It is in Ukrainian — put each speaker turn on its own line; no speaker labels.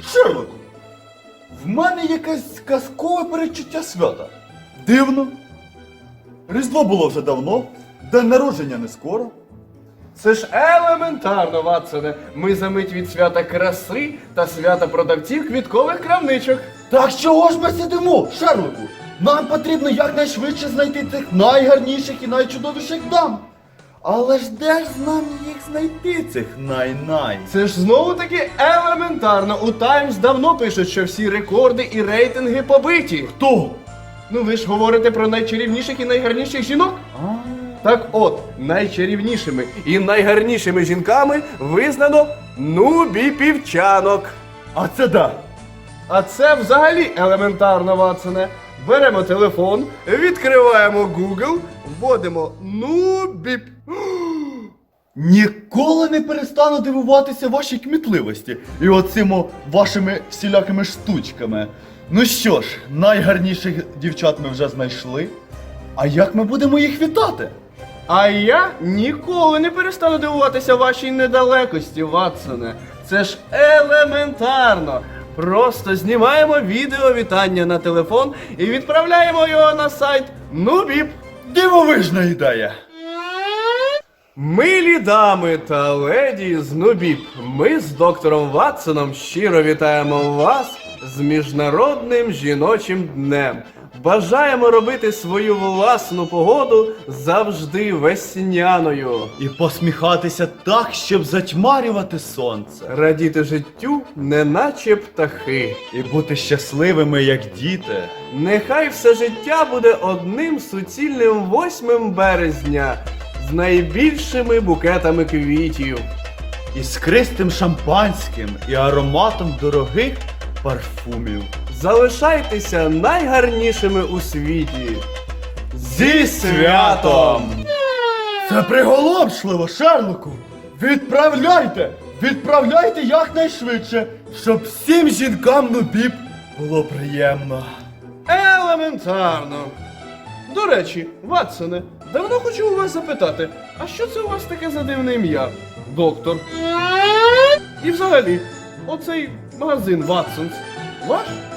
Шерлоку, в мене якесь казкове передчуття свята. Дивно. Різдво було вже давно, день народження не скоро.
Це ж елементарно, Ватсоне. Ми за мить від свята краси та свята продавців квіткових крамничок.
Так чого ж ми сидимо, Шерлоку? Нам потрібно якнайшвидше знайти цих найгарніших і найчудовіших дам. Але ж де ж нам їх знайти, цих най-най?
Це ж знову таки елементарно. У Таймс давно пишуть, що всі рекорди і рейтинги побиті.
Хто?
Ну ви ж говорите про найчарівніших і найгарніших жінок? Так от, найчарівнішими і найгарнішими жінками визнано Нубі Півчанок.
А це да.
А це взагалі елементарно, Ватсоне. Беремо телефон, відкриваємо Google, вводимо Нубіп.
Ніколи не перестану дивуватися вашій кмітливості і оцими вашими всілякими штучками. Ну що ж, найгарніших дівчат ми вже знайшли. А як ми будемо їх вітати?
А я ніколи не перестану дивуватися вашій недалекості, Ватсоне. Це ж елементарно. Просто знімаємо відео вітання на телефон і відправляємо його на сайт Нубіп.
Дивовижна ідея!
Милі дами та леді з Нубіп, ми з доктором Ватсоном щиро вітаємо вас з Міжнародним жіночим днем. Бажаємо робити свою власну погоду завжди весняною.
І посміхатися так, щоб затьмарювати сонце.
Радіти життю, неначе птахи.
І бути щасливими, як діти.
Нехай все життя буде одним суцільним 8 березня з найбільшими букетами квітів.
Іскристим шампанським і ароматом дорогих парфумів.
Залишайтеся найгарнішими у світі.
Зі святом! Це приголомшливо, Шерлоку! Відправляйте! Відправляйте якнайшвидше, щоб всім жінкам Нубіп було приємно.
Елементарно. До речі, Ватсоне, давно хочу у вас запитати, а що це у вас таке за дивне ім'я? Доктор. І взагалі, оцей магазин Ватсонс ваш?